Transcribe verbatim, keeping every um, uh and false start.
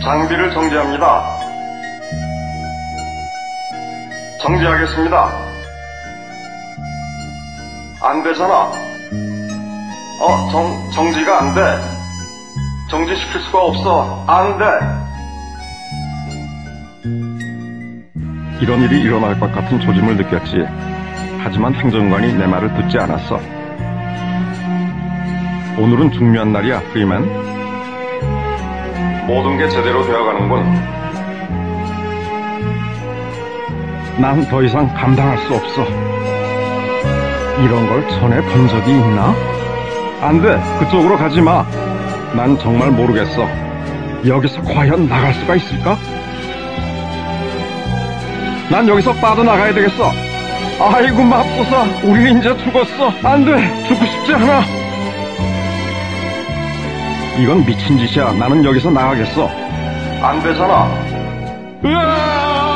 장비를 정지합니다. 정지하겠습니다. 안 되잖아. 어, 정, 정지가 안 돼. 정지시킬 수가 없어. 안 돼. 이런 일이 일어날 것 같은 조짐을 느꼈지. 하지만 행정관이 내 말을 듣지 않았어. 오늘은 중요한 날이야, 프리맨. 모든 게 제대로 되어가는군. 난 더 이상 감당할 수 없어. 이런 걸 전에 본 적이 있나? 안 돼, 그쪽으로 가지 마. 난 정말 모르겠어. 여기서 과연 나갈 수가 있을까? 난 여기서 빠져나가야 되겠어. 아이고 맙소사, 우리 이제 죽었어. 안 돼, 죽고 싶지 않아. 이건 미친 짓이야. 나는 여기서 나가겠어. 안 되잖아. 으아!